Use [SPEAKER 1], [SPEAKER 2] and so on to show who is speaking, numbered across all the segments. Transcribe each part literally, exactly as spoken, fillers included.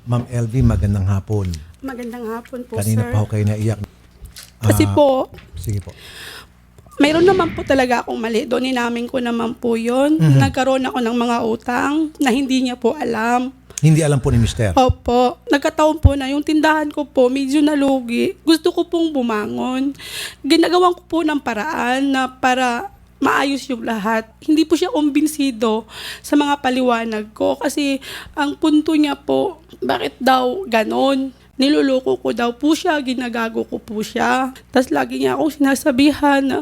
[SPEAKER 1] Ma'am L V, magandang hapon.
[SPEAKER 2] Magandang hapon po,
[SPEAKER 1] Kanina
[SPEAKER 2] sir.
[SPEAKER 1] pa ako kayo naiyak.
[SPEAKER 2] Kasi
[SPEAKER 1] Ah,
[SPEAKER 2] po,
[SPEAKER 1] Sige po.
[SPEAKER 2] mayroon naman po talaga akong mali. Doon inamin ko naman po yun.
[SPEAKER 1] Mhm.
[SPEAKER 2] Nagkaroon ako ng mga utang na hindi niya po alam.
[SPEAKER 1] Hindi alam po ni Mister.
[SPEAKER 2] Opo, nagkataon po na yung tindahan ko po medyo nalugi. Gusto ko pong bumangon. Ginagawan ko po ng paraan na para maayos yung lahat. Hindi po siya kumbinsido sa mga paliwanag ko kasi ang punto niya po, bakit daw ganon? Niluloko ko daw po siya, ginagago ko po siya. Tapos lagi niya akong sinasabihan na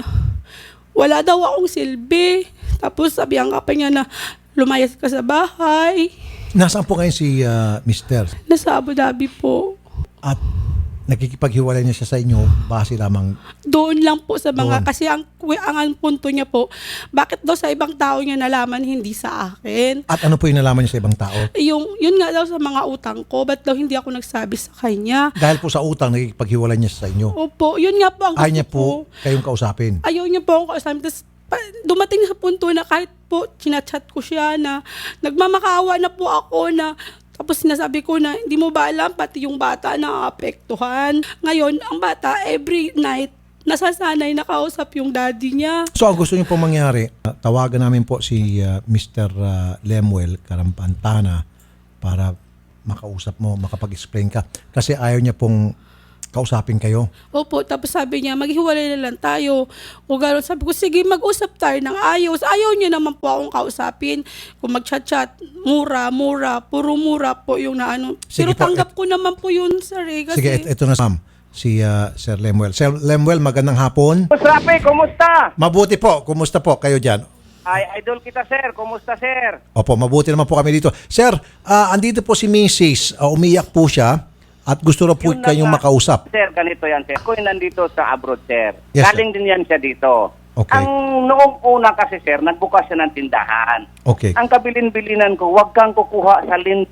[SPEAKER 2] wala daw akong silbi. Tapos sabihan ka pa niya na lumayas ka sa bahay.
[SPEAKER 1] Nasaan po ngayon si ah, Mister?
[SPEAKER 2] Nasa Abu Dhabi po.
[SPEAKER 1] At nakikipaghiwalay niya siya sa inyo base lamang.
[SPEAKER 2] Doon lang po sa mga,
[SPEAKER 1] Doon.
[SPEAKER 2] kasi ang, ang, ang punto niya po, bakit daw sa ibang tao niya nalaman, hindi sa akin.
[SPEAKER 1] At ano po yung nalaman niya sa ibang tao?
[SPEAKER 2] Yung, yun nga daw sa mga utang ko, ba't daw hindi ako nagsabi sa kanya?
[SPEAKER 1] Dahil po sa utang, nakikipaghiwalay niya siya sa inyo.
[SPEAKER 2] Opo, yun nga po ang
[SPEAKER 1] Ayaw
[SPEAKER 2] gusto
[SPEAKER 1] niya
[SPEAKER 2] ko.
[SPEAKER 1] po kayong kausapin.
[SPEAKER 2] Ayaw niya po akong kausapin. Tapos pa- dumating sa punto na kahit po chinachat ko siya na nagmamakaawa na po ako na tapos sinasabi ko na hindi mo ba alam pati yung bata na apektuhan. Ngayon, ang bata every night nasasanay na kausap yung daddy niya.
[SPEAKER 1] So ang gusto niyo po mangyari, ah, tawagan namin po si ah, Mister ah, Lemuel Karampantana para makausap mo, makapag-explain ka. Kasi ayaw niya pong kausapin kayo.
[SPEAKER 2] Opo, tapos sabi niya, maghiwalay na lang tayo. O gano'n, sabi ko, sige, mag-usap tayo ng ayos. Ayaw niya naman po akong kausapin. Kung mag-chat-chat, mura, mura, puro mura po yung na ano.
[SPEAKER 1] Sige
[SPEAKER 2] Pero
[SPEAKER 1] po,
[SPEAKER 2] tanggap ko naman po yun, sir. Eh, kasi,
[SPEAKER 1] Sige, et- eto na ma'am, si ah, Sir Lemuel. Sir Lemuel, magandang hapon.
[SPEAKER 3] Boss Rafi, kumusta?
[SPEAKER 1] Mabuti po, kumusta po kayo dyan?
[SPEAKER 3] Ay, idol kita, sir. Kumusta, sir?
[SPEAKER 1] Opo, mabuti naman po kami dito. Sir, ah, andito po si Missus Ah, umiyak po siya at gusto na po
[SPEAKER 3] Yun na
[SPEAKER 1] kayong
[SPEAKER 3] nga.
[SPEAKER 1] makausap.
[SPEAKER 3] Sir, ganito yan, sir. Ako yung nandito sa abroad, sir.
[SPEAKER 1] Yes,
[SPEAKER 3] Galing din yan siya dito.
[SPEAKER 1] Okay.
[SPEAKER 3] Ang noong una kasi, sir, nagbukas siya ng tindahan.
[SPEAKER 1] Okay.
[SPEAKER 3] Ang kabilin-bilinan ko, huwag kang kukuha sa lin...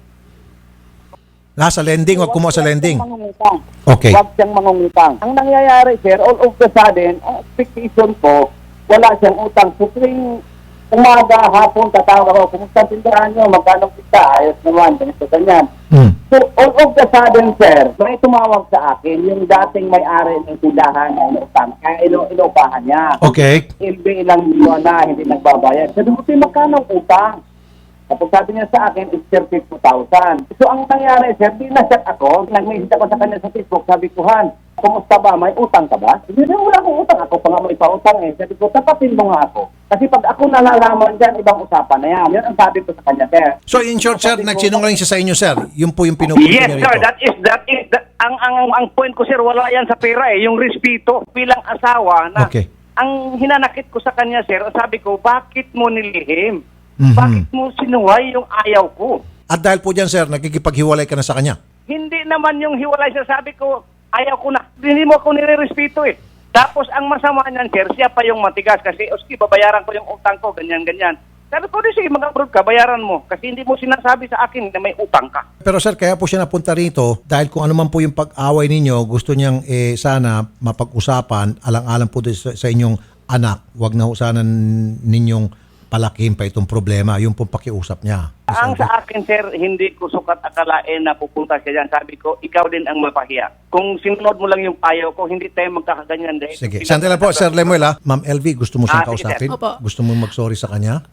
[SPEAKER 1] Nasa lending, wag kumuha sa lending.
[SPEAKER 3] Huwag siyang mangungutang.
[SPEAKER 1] Okay.
[SPEAKER 3] Huwag siyang mangungutang. Ang nangyayari, sir, all of the sudden, ang expectation ko, wala siyang utang. So, tuwing umaga, hapon, tatawag ako, kumusta ang tindahan nyo, magkano kita, ayos naman, ganito, ganyan.
[SPEAKER 1] Hmm.
[SPEAKER 3] So, all of the sudden, sir, may tumawag sa akin yung dating may-ari ng tindahan na inutang, kaya ino inupahan niya.
[SPEAKER 1] Okay.
[SPEAKER 3] Ilbi ilang buwan na, hindi nagbabayad. Sabi ko, "Tay, magkano ang utang?" Tapos sabi niya sa akin, it's thirty-two thousand. So, ang nangyari, sir, dinasyak ako, nag-message ako sa kanya sa Facebook, sabi ko, "Han, kumusta ba? May utang ka ba?" Hindi na, wala akong utang. Ako pa nga may pautang eh. Sabi ko, tapatin mo nga ako. Kasi pag ako nalalaman dyan, ibang usapan na yan. Yan ang sabi ko sa kanya, sir.
[SPEAKER 1] So in short, sir, nagsinungaling siya sa inyo, sir. Yun po yung pinupunto
[SPEAKER 3] Yes,
[SPEAKER 1] niya
[SPEAKER 3] sir.
[SPEAKER 1] rito.
[SPEAKER 3] That is, that is, that, ang, ang, ang point ko, sir, wala yan sa pera eh. Yung respeto bilang asawa na
[SPEAKER 1] Okay.
[SPEAKER 3] ang hinanakit ko sa kanya, sir, sabi ko, bakit mo nilihim?
[SPEAKER 1] Mhm.
[SPEAKER 3] Bakit mo sinuway yung ayaw ko?
[SPEAKER 1] At dahil po dyan, sir, nakikipaghiwalay ka na sa kanya.
[SPEAKER 3] Hindi naman yung hiwalay siya, sabi ko, ayaw ko na. Hindi mo ako nire-respeto eh. Tapos ang masama niyan, sir, siya pa yung matigas kasi, oski, babayaran ko yung utang ko, ganyan-ganyan. Sabi ko, di sige, mag-abroad ka, bayaran mo. Kasi hindi mo sinasabi sa akin na may utang ka.
[SPEAKER 1] Pero sir, kaya po siya napunta rito dahil kung ano man po yung pag-away ninyo, gusto niyang eh, sana mapag-usapan, alang-alang po din sa, sa inyong anak. Huwag na ho sana ninyong palakihin pa itong problema. Yung pong pakiusap niya.
[SPEAKER 3] Ang sa akin, sir, hindi ko sukat akalain na pupunta siya dyan. Sabi ko, ikaw din ang mapahiya. Kung sinunod mo lang yung payo ko, hindi tayo magkakaganyan. Dahil
[SPEAKER 1] Sige. Sandali lang po, Sir Lemuel, ha? Ma'am L V, gusto mo siyang
[SPEAKER 3] Ah, sige,
[SPEAKER 1] kausapin?
[SPEAKER 2] sir. Opo.
[SPEAKER 1] Gusto mo mag-sorry sa kanya?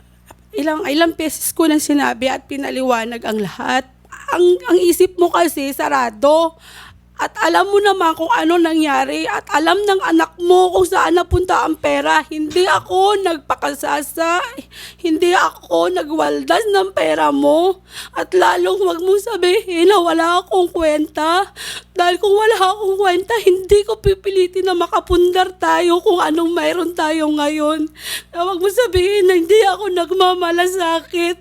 [SPEAKER 2] ilang, ilang beses ko nang sinabi at pinaliwanag ang lahat. Ang, ang isip mo kasi, sarado. At alam mo naman kung ano nangyari at alam ng anak mo kung saan napunta ang pera. Hindi ako nagpakasasa, hindi ako nagwaldas ng pera mo. At lalong wag mong sabihin na wala akong kwenta. Dahil kung wala akong kwenta, hindi ko pipilitin na makapundar tayo kung anong mayroon tayo ngayon. Wag mong sabihin na hindi ako nagmamalasakit.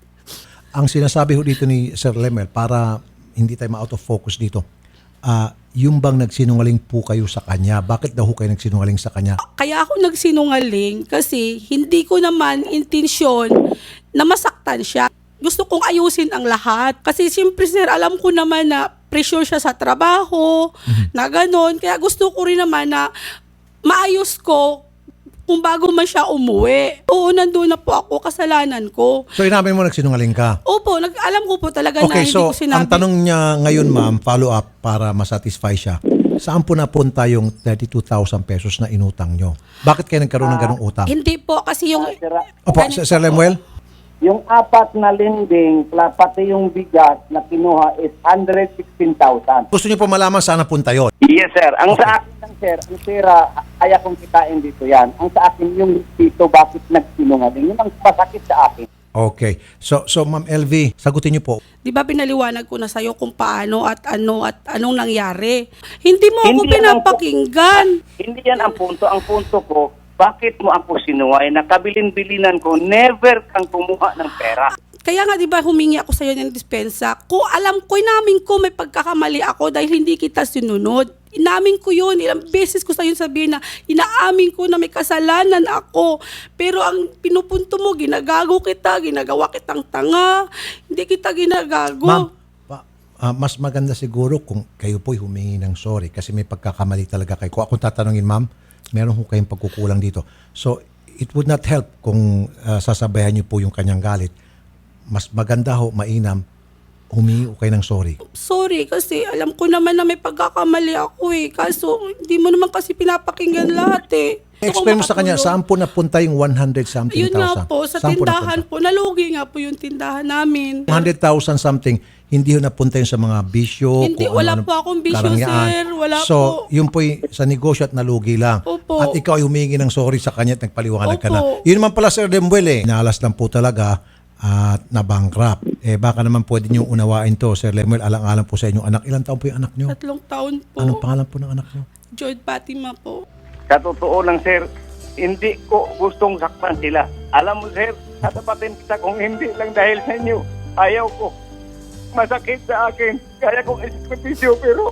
[SPEAKER 1] Ang sinasabi ho dito ni Sir Lemuel, para hindi tayo ma-out of focus dito, ah yung bang nagsinungaling po kayo sa kanya? Bakit daw ho kayo nagsinungaling sa kanya?
[SPEAKER 2] Kaya ako nagsinungaling kasi hindi ko naman intensyon na masaktan siya. Gusto kong ayusin ang lahat. Kasi siyempre sir, alam ko naman na pressure siya sa trabaho, na gano'n. Kaya gusto ko rin naman na maayos ko kung bago man siya umuwi. Oo, nandun na po ako, kasalanan ko.
[SPEAKER 1] So inamin mo nagsinungaling ka?
[SPEAKER 2] Opo, nag alam ko po talaga na
[SPEAKER 1] Okay,
[SPEAKER 2] hindi
[SPEAKER 1] so
[SPEAKER 2] ko sinabi.
[SPEAKER 1] ang tanong niya ngayon ma'am, follow up para masatisfy siya. Saan po napunta yung thirty-two thousand pesos na inutang nyo? Bakit kayo nagkaroon ng ganong utang?
[SPEAKER 2] Hindi po, kasi yung...
[SPEAKER 3] Sir,
[SPEAKER 1] Opo,
[SPEAKER 2] ganito
[SPEAKER 1] Sir
[SPEAKER 2] po.
[SPEAKER 3] ah,
[SPEAKER 1] Lemuel?
[SPEAKER 3] yung apat na lending, pla- pati yung bigas na kinuha is one hundred sixteen thousand.
[SPEAKER 1] Gusto niyo po malaman saan napunta yun?
[SPEAKER 3] Yes, sir. Ang sa akin lang, sir, ang pera, kaya kong kitain dito yan. Ang sa akin, yung dito, bakit nagsinungaling? Yun ang masakit sa akin.
[SPEAKER 1] Okay. So, so Ma'am L V, sagutin niyo po.
[SPEAKER 2] Di ba pinaliwanag ko na sa'yo kung paano at ano at anong nangyari? Hindi mo ako
[SPEAKER 3] Hindi yan ang-
[SPEAKER 2] pinapakinggan.
[SPEAKER 3] Hindi yan ang punto. Ang punto ko, bakit mo ako sinuway? Nakabilin-bilinan ko, never kang kumuha ng pera.
[SPEAKER 2] Kaya nga, di ba, humingi ako sa'yo ng dispensa. Kung alam ko, inamin ko may pagkakamali ako dahil hindi kita sinunod. Inamin ko yun. Ilang beses ko sa'yo sabihin na inaamin ko na may kasalanan ako. Pero ang pinupunto mo, ginagago kita, ginagawa kitang tanga. Hindi kita ginagago.
[SPEAKER 1] Ma'am, pa- ah, mas maganda siguro kung kayo po'y humingi ng sorry kasi may pagkakamali talaga kayo. Kung akong tatanungin, ma'am, meron ho kayong pagkukulang dito. So, it would not help kung ah, sasabayan niyo po yung kanyang galit. Mas maganda ho, mainam, humingi ho kayo ng sorry.
[SPEAKER 2] Sorry kasi alam ko naman na may pagkakamali ako eh. Kaso hindi mo naman kasi pinapakinggan lahat eh. Gusto ko
[SPEAKER 1] Explain mo sa kanya,
[SPEAKER 2] makatulong.
[SPEAKER 1] saan po napunta yung one hundred something
[SPEAKER 2] Yun nga
[SPEAKER 1] thousand?
[SPEAKER 2] po, sa
[SPEAKER 1] Saan po
[SPEAKER 2] tindahan
[SPEAKER 1] napunta?
[SPEAKER 2] po, nalugi nga po yung tindahan namin.
[SPEAKER 1] one hundred thousand something, hindi ho napunta yun sa mga bisyo.
[SPEAKER 2] Hindi,
[SPEAKER 1] kung
[SPEAKER 2] wala
[SPEAKER 1] ano-ano,
[SPEAKER 2] po akong bisyo,
[SPEAKER 1] karangyaan.
[SPEAKER 2] sir. Wala
[SPEAKER 1] so,
[SPEAKER 2] po.
[SPEAKER 1] yun po sa negosyo at nalugi lang.
[SPEAKER 2] Opo.
[SPEAKER 1] At ikaw ay humingi ng sorry sa kanya at nagpaliwanag ka na.
[SPEAKER 2] Opo.
[SPEAKER 1] Yun naman pala, Sir Lemuel eh. Inalas lang po talaga at na-bankrupt. Eh baka naman pwede niyong unawain to, Sir Lemuel. Alang-alang po sa inyong anak. Ilang taon po yung anak niyo?
[SPEAKER 2] Tatlong taon po.
[SPEAKER 1] Anong pangalan po ng anak niyo?
[SPEAKER 2] Joy Fatima po.
[SPEAKER 3] Sa totoo lang, sir, hindi ko gustong saktan sila. Alam mo, sir, tatapatin kita kung hindi lang dahil sa inyo. Ayaw ko. Masakit sa akin. Kaya kong isakripisyo, pero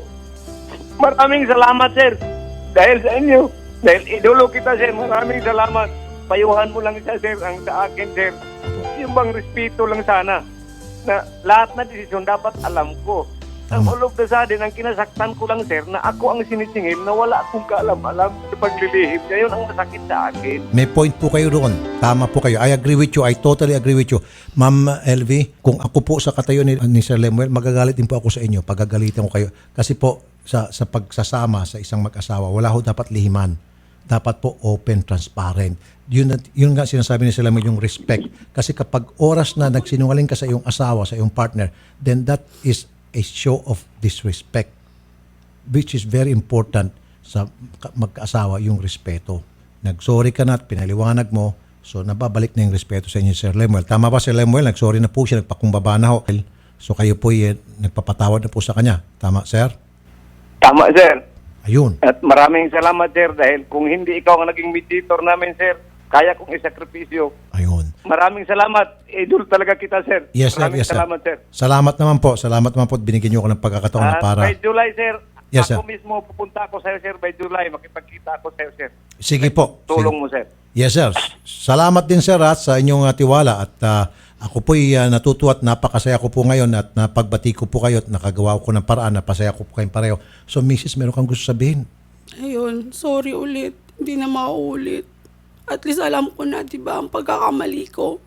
[SPEAKER 3] maraming salamat, sir. Dahil sa inyo. Dahil idolo kita, sir. Maraming salamat. Payuhan mo lang siya, sir, ang sa akin, sir. Yung bang respeto lang sana. Na lahat na desisyon dapat alam ko. Ang
[SPEAKER 1] Tama.
[SPEAKER 3] all of the sudden, ang kinasaktan ko lang, sir, na ako ang sinisingil na wala akong kaalam-alam sa paglilihim niya. Yun ang masakit sa akin.
[SPEAKER 1] May point po kayo roon. Tama po kayo. I agree with you. I totally agree with you. Ma'am L V, kung ako po sa katayo ni, ni Sir Lemuel, magagalit din po ako sa inyo. Pagagalitan ko kayo. Kasi po, sa, sa pagsasama sa isang mag-asawa, wala ho dapat lihiman. Dapat po open, transparent. Yun, yun nga sinasabi ni Sir Lemuel, yung respect. Kasi kapag oras na nagsinungaling ka sa iyong asawa, sa iyong partner, then that is a show of disrespect, which is very important sa magkaasawa, yung respeto. Nagsorry ka na at pinaliwanag mo, so nababalik na yung respeto sa inyo, Sir Lemuel. Tama ba, Sir Lemuel? Nagsorry na po siya, nagpakumbaba na ho. So kayo po eh, nagpapatawad na po sa kanya. Tama, Sir?
[SPEAKER 3] Tama, sir.
[SPEAKER 1] Ayun.
[SPEAKER 3] At maraming salamat, sir, dahil kung hindi ikaw ang naging mediator namin, sir, kaya kong isakripisyo.
[SPEAKER 1] Ayun.
[SPEAKER 3] Maraming salamat. Idol talaga kita, sir.
[SPEAKER 1] Yes, sir.
[SPEAKER 3] Maraming
[SPEAKER 1] Yes, sir.
[SPEAKER 3] salamat, sir.
[SPEAKER 1] Salamat naman po. Salamat naman po at binigyan niyo ako ng pagkakataon na
[SPEAKER 3] At
[SPEAKER 1] para...
[SPEAKER 3] by July, sir,
[SPEAKER 1] Yes,
[SPEAKER 3] ako
[SPEAKER 1] sir.
[SPEAKER 3] mismo pupunta ako sa'yo, sir, by July. Makipagkita ako sa'yo, sir.
[SPEAKER 1] Sige po.
[SPEAKER 3] Tulong
[SPEAKER 1] Sige.
[SPEAKER 3] mo, sir.
[SPEAKER 1] Yes, sir. Salamat din, sir, at sa inyong uh, tiwala. At uh, ako po'y uh, natutuwa at napakasaya ko po ngayon at napagbati ko po kayo at nakagawa ko ng paraan na pasaya ko po kayong pareho. So, Missus, meron kang gusto sabihin?
[SPEAKER 2] Ayun, sorry ulit. Hindi na mauulit. At least alam ko na, di ba, ang pagkakamali ko.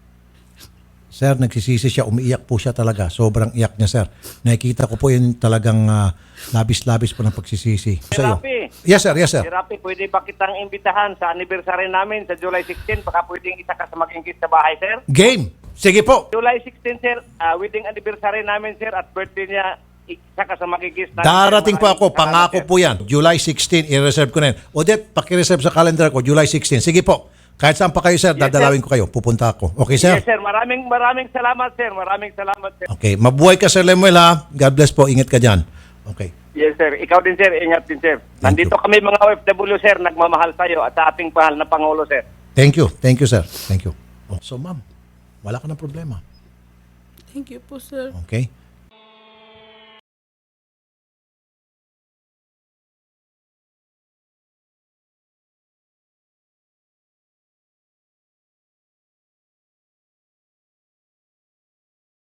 [SPEAKER 1] Sir, nagsisisi siya. Umiiyak po siya talaga. Sobrang iyak niya, sir. Nakikita ko po yun talagang uh, labis-labis po ng pagsisisi.
[SPEAKER 3] Sir
[SPEAKER 1] Sa'yo.
[SPEAKER 3] Rafi.
[SPEAKER 1] Yes, sir. Yes, sir.
[SPEAKER 3] Sir Rafi, pwede ba kitang imbitahan sa anniversary namin sa July sixteenth? Baka pwedeng isa ka sa magingkit sa bahay, sir?
[SPEAKER 1] Game. Sige po.
[SPEAKER 3] July sixteenth, sir, uh, wedding anniversary namin, sir, at birthday niya, isa ka sa magigis namin.
[SPEAKER 1] Darating po ako.
[SPEAKER 3] Maraming salamat,
[SPEAKER 1] Pangako
[SPEAKER 3] sir.
[SPEAKER 1] po yan. July sixteenth, i-reserve ko na yan. Odette, pakireserve sa calendar ko, July sixteenth. Sige po. Kahit saan pa kayo, sir,
[SPEAKER 3] Yes,
[SPEAKER 1] dadalawin ko kayo. Pupunta ako. Okay, sir?
[SPEAKER 3] Yes, sir. Maraming maraming salamat, sir. Maraming salamat, sir.
[SPEAKER 1] Okay. Mabuhay ka, Sir Lemuel, ha? God bless po. Ingat ka dyan. Okay.
[SPEAKER 3] Yes, sir. Ikaw din, sir. Ingat din, sir.
[SPEAKER 1] Thank
[SPEAKER 3] Nandito
[SPEAKER 1] you.
[SPEAKER 3] kami mga O F W, sir. Nagmamahal tayo at sa ating mahal na Pangulo, sir.
[SPEAKER 1] Thank you. Thank you, sir. Thank you. Oh, so, ma'am, wala ka ng problema.
[SPEAKER 2] Thank you po, sir.
[SPEAKER 1] Okay?